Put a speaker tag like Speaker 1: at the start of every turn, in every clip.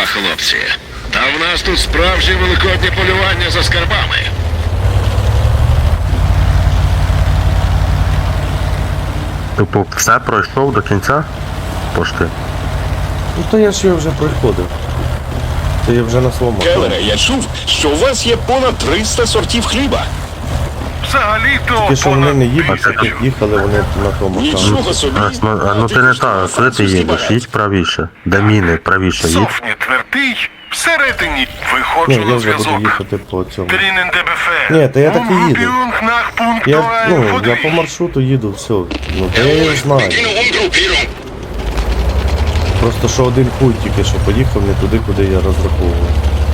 Speaker 1: хлопці. Та в нас тут справжнє великоднє полювання за скарбами.
Speaker 2: Типу, все пройшов до кінця? Пошти.
Speaker 3: Ну то я ж його вже проходив. То я вже на своєму.
Speaker 4: Келлере, я чув, що у вас є понад 300 сортів хліба.
Speaker 1: Взагалі-то
Speaker 3: Тільки що вони не їдуть,
Speaker 2: понад
Speaker 3: як їхали вони на тому.
Speaker 4: Нічого собі.
Speaker 2: Ну ти не так, куди ти їдеш? Їдь правіше. Де міни, правіше їдь.
Speaker 1: Софні твердий, всередині. Виходжу
Speaker 3: Ні, я
Speaker 1: на
Speaker 3: вже буду
Speaker 1: зв'язок.
Speaker 3: їхати по цьому.
Speaker 1: Drinnen DBF.
Speaker 3: Ні, та я так і їду.
Speaker 1: Umgruppierung nach Punkt
Speaker 3: Я по маршруту їду, все. Ну то я його знаю. Просто що один хуй тільки що поїхав не туди, куди я розраховував.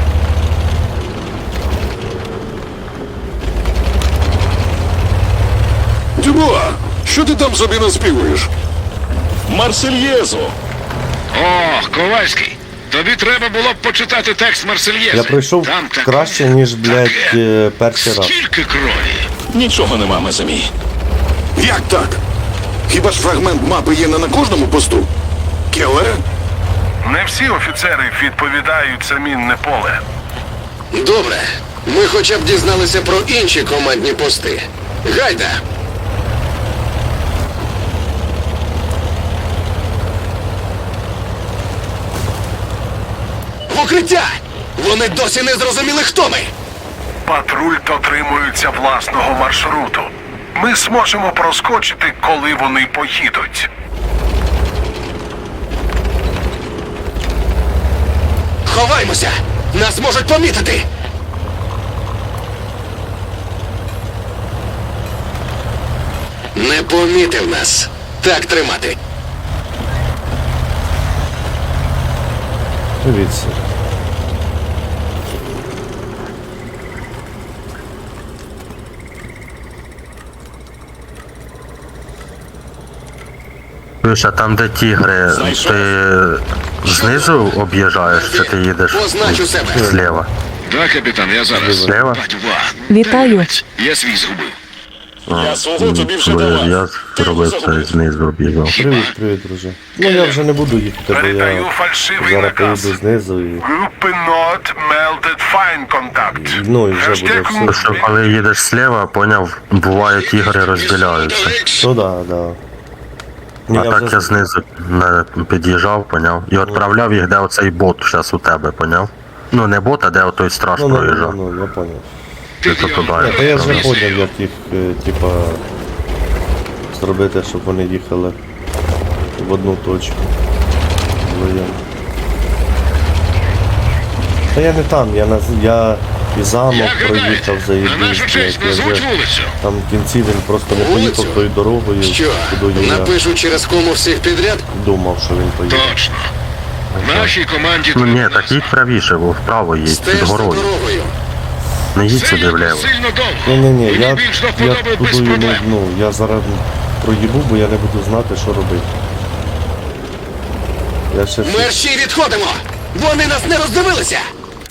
Speaker 5: Дюбуа, що ти там собі наспівуєш?
Speaker 4: Марсельєзу.
Speaker 1: О, Ковальський. Тобі треба було б почитати текст Марсельєзи.
Speaker 3: Я пройшов
Speaker 1: Там таке,
Speaker 3: краще, ніж, блядь,
Speaker 1: таке.
Speaker 3: перший раз.
Speaker 1: Скільки крові?
Speaker 4: Нічого нема, Мезамі.
Speaker 5: Як так? Хіба ж фрагмент мапи є не на кожному посту? Келлере?
Speaker 1: Не всі офіцери відповідають за мінне поле.
Speaker 6: Добре. Ми хоча б дізналися про інші командні пости. Гайда! В укриття! Вони досі не зрозуміли, хто ми!
Speaker 1: Патруль дотримується власного маршруту. Ми зможемо проскочити, коли вони поїдуть.
Speaker 6: Ховаймося! Нас можуть помітити! Не помітив нас. Так тримати.
Speaker 3: Дивіться.
Speaker 2: Слушай, а там де тігри, ти знизу об'їжджаєш, чи ти їдеш
Speaker 6: Позначу себе.
Speaker 2: зліва?
Speaker 1: Так, капітан, я зараз.
Speaker 2: Зліва?
Speaker 7: Вітаю.
Speaker 1: Я свій згубив.
Speaker 4: Я свого тобі вже
Speaker 2: Бо
Speaker 4: давав.
Speaker 2: я
Speaker 4: Ти
Speaker 2: зробив це
Speaker 4: загубив.
Speaker 2: знизу об'їжджав.
Speaker 3: Привіт, друже. Ну я вже не буду їхати, бо
Speaker 1: Передаю
Speaker 3: я
Speaker 1: фальшивий
Speaker 3: зараз
Speaker 1: наказ.
Speaker 3: поїду знизу і...
Speaker 1: Группе Nord meldet Feindkontakt.
Speaker 3: Ну і вже буде все.
Speaker 2: Тому що коли їдеш зліва, поняв, буває тігри розділяються.
Speaker 3: Ну да. Ні,
Speaker 2: А
Speaker 3: я
Speaker 2: так
Speaker 3: вже...
Speaker 2: я знизу не під'їжджав, поняв? І відправляв їх, де оцей бот зараз у тебе, поняв? Ну не бот, а де отой страж проїжджав.
Speaker 3: Ну, я понял.
Speaker 2: Ти то туди.
Speaker 3: Ні, та я вже
Speaker 2: відправляв.
Speaker 3: поняв, як їх, типа, зробити, щоб вони їхали в одну точку. Воєнно. Та я не там, я і замок
Speaker 1: Як
Speaker 3: проїхав,
Speaker 1: гадаєте, на
Speaker 3: заїбісь,
Speaker 1: нашу честь
Speaker 3: блядь, я
Speaker 1: назвуть
Speaker 3: вже
Speaker 1: вулицю.
Speaker 3: там в кінці він просто не
Speaker 6: Вулицю?
Speaker 3: поїхав тою дорогою,
Speaker 6: Що?
Speaker 3: куди я
Speaker 6: Напишу через кому всіх підряд?
Speaker 3: думав, що він поїде.
Speaker 1: Точно. Нашій команді
Speaker 2: Ну ні,
Speaker 1: треба
Speaker 2: так їдь правіше, бо вправо їдь, під
Speaker 6: Стеж за
Speaker 2: горою.
Speaker 6: дорогою.
Speaker 2: Не їдь
Speaker 1: Це
Speaker 2: сюди
Speaker 1: якось
Speaker 2: вліво.
Speaker 1: сильно довго.
Speaker 3: Ні,
Speaker 1: Мені
Speaker 3: я
Speaker 1: більш до вподоби без
Speaker 3: туди не,
Speaker 1: проблем.
Speaker 3: ну, я зараз проїбу, бо я не буду знати, що робити. Я ще
Speaker 6: Мерщій відходимо! Вони нас не роздивилися!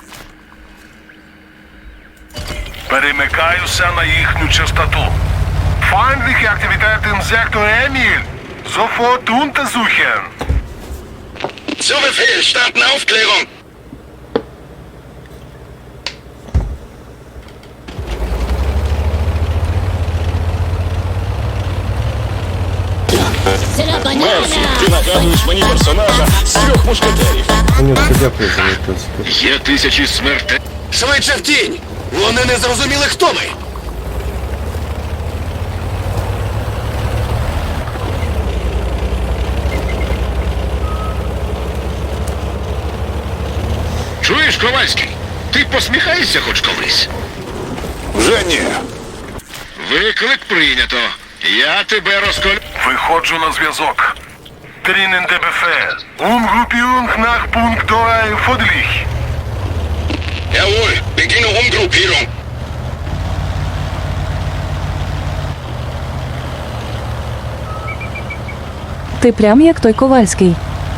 Speaker 1: Перемикаюся на їхню частоту. Feindliche Aktivitäten im Sektor Emil. Sofort untersuchen.
Speaker 6: Zu Befehl, starten Aufklärung!
Speaker 4: Мерфі, ти нагадуєш мені персонажа з трьох мушкетерів.
Speaker 3: Конюшка, дякую за відписку.
Speaker 1: Є тисячі смертей.
Speaker 6: Швидше в тінь! Вони не зрозуміли, хто ми!
Speaker 1: Чуєш, Ковальський? Ти посміхаєшся хоч колись?
Speaker 5: Вже ні.
Speaker 1: Виклик прийнято. Я тебе розколю. Виходжу на зв'язок. Drinnen DBF. Umgruppierung nach Punkt 2 Fodlich.
Speaker 6: Jawohl, beginne Umgruppierung.
Speaker 7: Ти прям як той Ковальський.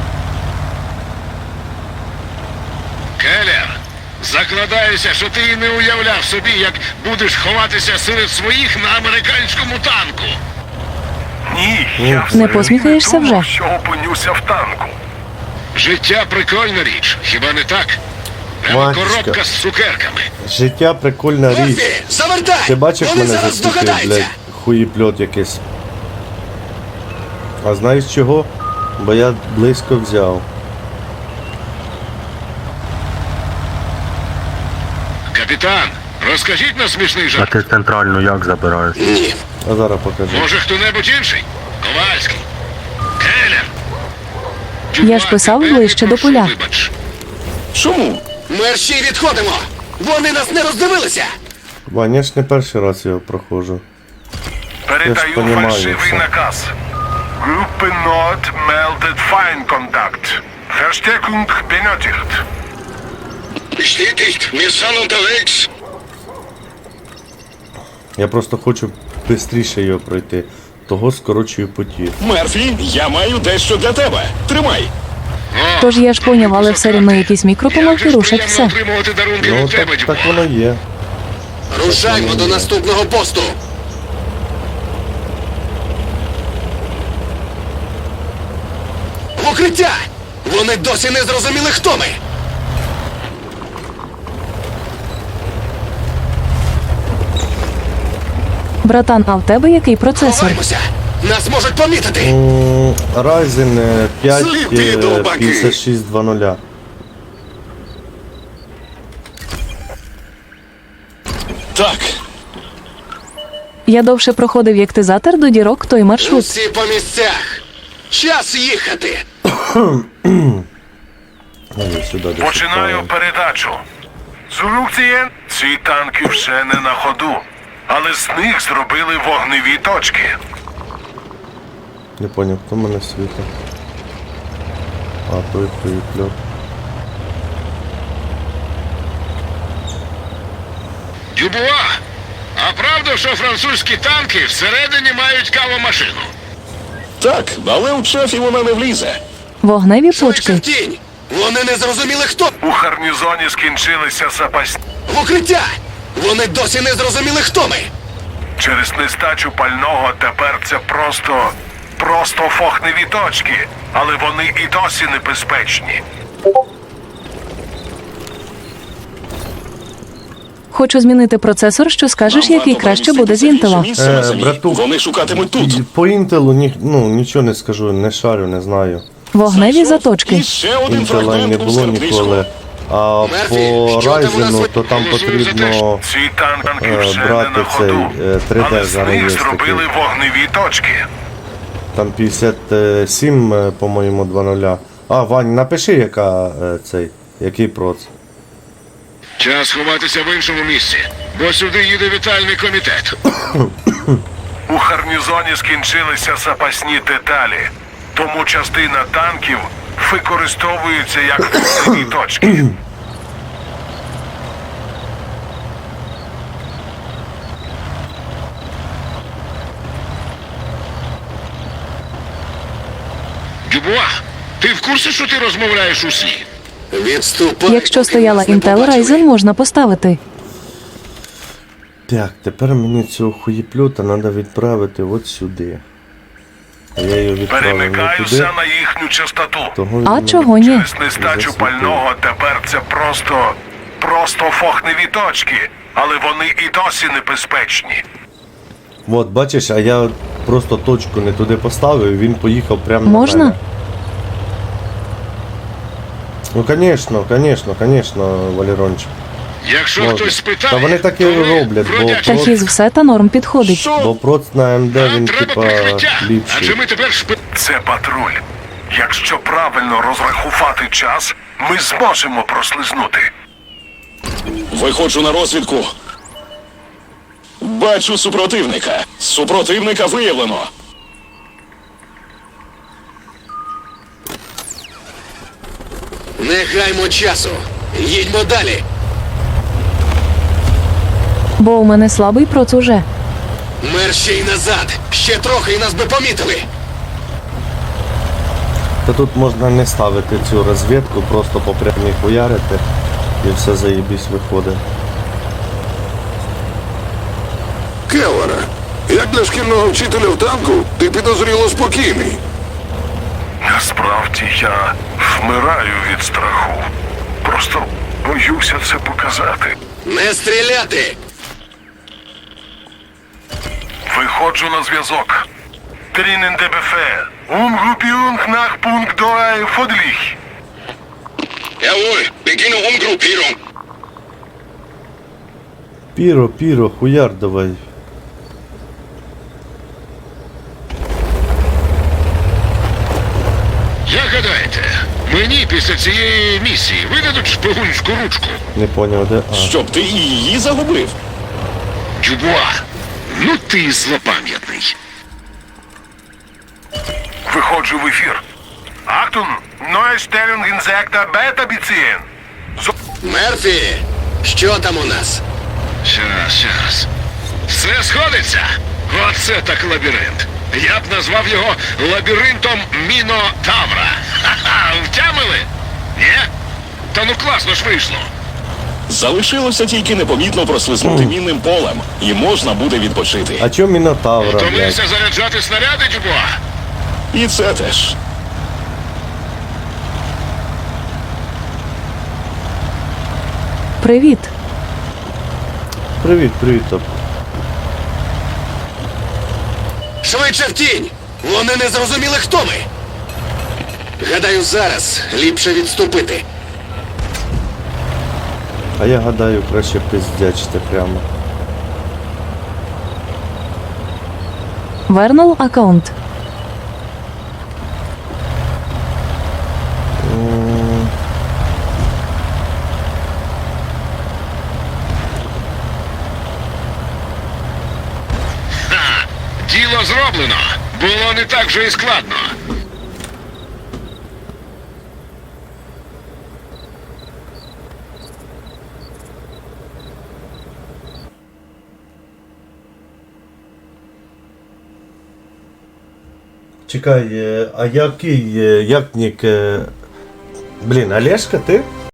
Speaker 1: Келлер, закладаюся, що ти і не уявляв собі, як будеш ховатися серед своїх на американському танку. Ні, я
Speaker 7: Не посміхаєшся вже?
Speaker 1: що опинюся в танку. Життя прикольна річ, хіба не так? Прямо
Speaker 3: Матічка.
Speaker 1: коробка з цукерками.
Speaker 3: Життя прикольна річ.
Speaker 6: Мерфі, завертай!
Speaker 3: Ти бачиш
Speaker 6: Вони
Speaker 3: мене
Speaker 6: зараз
Speaker 3: заскільки,
Speaker 6: здогадаються!
Speaker 3: блядь, хуїпльот якийсь. А знаєш чого? Бо я близько взяв.
Speaker 1: Капітан, розкажіть нам смішний
Speaker 2: А
Speaker 1: жарт.
Speaker 2: ти центральну як забираєш?
Speaker 6: Ні.
Speaker 3: А зараз покажу.
Speaker 1: Може хто-небудь інший? Ковальський. Келлер.
Speaker 7: Я ж писав
Speaker 1: Дюбуа,
Speaker 7: ближче
Speaker 1: тебе
Speaker 7: до поля.
Speaker 1: прошу, вибач.
Speaker 5: Чому?
Speaker 6: Мерщій відходимо! Вони нас не роздивилися!
Speaker 3: Вань, я ж не перший раз його проходжу.
Speaker 8: Передаю
Speaker 3: понимаю
Speaker 8: фальшивий
Speaker 3: все.
Speaker 8: наказ. Группе Nord meldet Feindkontakt. Verstärkung benötigt.
Speaker 1: Bestätigt, wir sind unterwegs.
Speaker 3: Я просто хочу швидше його пройти. Того скорочую путі.
Speaker 4: Мерфі, я маю дещо для тебе. Тримай.
Speaker 7: Тож я ж поняв, але все рівно якісь
Speaker 1: Як
Speaker 7: мікропомилки
Speaker 1: же ж
Speaker 7: рушать
Speaker 1: приємно
Speaker 7: все.
Speaker 1: отримувати дарунки
Speaker 3: Ну
Speaker 1: від тебе,
Speaker 3: так,
Speaker 1: Дюбуа.
Speaker 3: так воно є.
Speaker 6: Рушаймо до наступного посту! В укриття! Вони досі не зрозуміли, хто ми!
Speaker 7: Братан, а в тебе який процесор?
Speaker 6: Ховаймося! Нас можуть помітити!
Speaker 3: Ryzen 5
Speaker 5: Сліпі довбаки.
Speaker 3: 5600.
Speaker 4: Так,
Speaker 7: Я довше проходив як ти затер до дірок той маршрут.
Speaker 6: Усі по місцях! Час їхати!
Speaker 3: Ой, сюди десь
Speaker 8: Починаю
Speaker 3: відправимо.
Speaker 8: передачу. Зурукцієн, ці танки вже не на ходу, але з них зробили вогневі точки.
Speaker 3: Не поняв, хто мене світить. А, той хуїпльот.
Speaker 1: Дюбуа, а правда, що французькі танки всередині мають кавомашину?
Speaker 4: так, але у шефі вона не влізе.
Speaker 7: Вогневі
Speaker 6: Швидше
Speaker 7: почки.
Speaker 6: в тінь! Вони не зрозуміли, хто!
Speaker 8: У гарнізоні скінчилися запасні.
Speaker 6: В укриття! Вони досі не зрозуміли, хто ми!
Speaker 8: Через нестачу пального тепер це просто фохневі точки, але вони і досі небезпечні.
Speaker 7: Хочу змінити процесор, що скажеш,
Speaker 4: Нам
Speaker 7: який
Speaker 4: варто
Speaker 7: краще буде з
Speaker 4: переміститися в
Speaker 7: інтела.
Speaker 4: інше місце на землі.
Speaker 3: братух.
Speaker 4: Вони шукатимуть тут.
Speaker 3: І по інтелу нічого не скажу, не шарю, не знаю.
Speaker 7: Вогневі
Speaker 4: І
Speaker 7: заточки.
Speaker 4: ще один
Speaker 3: Інтела
Speaker 4: фрагмент
Speaker 3: не
Speaker 4: у
Speaker 3: було
Speaker 4: скарбничку.
Speaker 3: ніколи. А
Speaker 6: Мерфі,
Speaker 3: по
Speaker 6: що там у нас
Speaker 3: Ryzen, то там
Speaker 1: голосує за те,
Speaker 3: потрібно
Speaker 8: Ці танки вже не
Speaker 3: брати
Speaker 8: на ходу,
Speaker 3: цей 3D
Speaker 8: але з
Speaker 3: зараз є
Speaker 8: них
Speaker 3: такий.
Speaker 8: зробили вогневі точки.
Speaker 3: Там 57, по-моєму, 2.0. А, Вань, напиши, який проц.
Speaker 1: Час ховатися в іншому місці, бо сюди їде вітальний комітет.
Speaker 8: У гарнізоні скінчилися запасні деталі, тому частина танків використовується як вогневі точки.
Speaker 1: Дюбуа, ти в курсі, що ти розмовляєш у сні?
Speaker 6: Відступай!
Speaker 7: Якщо
Speaker 6: поки
Speaker 7: стояла
Speaker 6: нас не
Speaker 7: Intel
Speaker 6: побачили.
Speaker 7: Ryzen, можна поставити.
Speaker 3: Так, тепер мені цього хуєплюта треба відправити от сюди. А я його відправив не туди.
Speaker 8: Перемикаюся на їхню частоту.
Speaker 3: Того
Speaker 7: А
Speaker 3: він
Speaker 7: чого
Speaker 3: мене
Speaker 7: ні?
Speaker 8: Через нестачу
Speaker 3: засвітив.
Speaker 8: пального тепер це просто фохневі точки, але вони і досі небезпечні.
Speaker 3: От, бачиш, а я просто точку не туди поставив, і він поїхав прямо
Speaker 7: Можна?
Speaker 3: на мене. Ну, конечно, Валерончик.
Speaker 1: Якщо
Speaker 3: Можна.
Speaker 1: хтось спитає,
Speaker 3: Та вони так і
Speaker 1: то ви
Speaker 3: роблять, бо
Speaker 1: бродячі.
Speaker 3: От.
Speaker 7: Тахіз все та норм підходить.
Speaker 1: Що?
Speaker 3: Бо проц на МД
Speaker 1: Нам
Speaker 3: він,
Speaker 1: треба
Speaker 3: типа,
Speaker 1: прикриття, адже
Speaker 3: ліпший.
Speaker 1: ми тепер
Speaker 8: Це патруль. Якщо правильно розрахувати час, ми зможемо прослизнути.
Speaker 4: Виходжу на розвідку. Бачу супротивника. Супротивника виявлено.
Speaker 6: Не гаймо часу! Їдьмо далі!
Speaker 7: Бо у мене слабий проц уже.
Speaker 6: Мерщій назад! Ще трохи і нас би помітили!
Speaker 3: Та тут можна не ставити цю розвідку, просто по прямій хуярити, і все заєбісь виходить.
Speaker 5: Келлере, як для шкільного вчителя в танку, ти підозріло спокійний.
Speaker 8: Насправді я Вмираю від страху. Просто боюся це показати.
Speaker 6: Не стріляти!
Speaker 8: Виходжу на зв'язок. Трінен ДБФ. Umgruppierung nach Punkt 2 Fodlich.
Speaker 5: Jawohl, beginne Umgruppierung.
Speaker 3: Піро, хуяр давай.
Speaker 1: Як гадаєте, мені після цієї місії видадуть шпигунську ручку?
Speaker 3: Не поняв, де. А.
Speaker 4: Щоб ти і її загубив.
Speaker 1: Дюбуа, ну ти злопам'ятний.
Speaker 8: Виходжу в ефір. Achtung! Neue Stellung in Sektor Beta beziehen.
Speaker 6: Мерфі! Що там у нас?
Speaker 1: Щас. Все сходиться. Оце так лабіринт. Я б назвав його лабіринтом Мінотавра. Ха-ха, втямили? Ні? Та ну класно ж вийшло.
Speaker 4: Залишилося тільки непомітно прослизнути мінним полем, і можна буде відпочити.
Speaker 3: А чо Мінотавра, блядь?
Speaker 1: Втомився заряджати снаряди, Дюбуа?
Speaker 4: І це теж.
Speaker 7: Привіт.
Speaker 3: Привіт, топ.
Speaker 6: Швидше в тінь! Вони не зрозуміли, хто ми! Гадаю, зараз ліпше відступити.
Speaker 3: А я гадаю, краще пиздячити прямо.
Speaker 7: Вернул аккаунт.
Speaker 1: Ха, діло зроблено. Було не так вже і складно.
Speaker 3: Чекай, а який, як нік... Блін, Олешка, ти?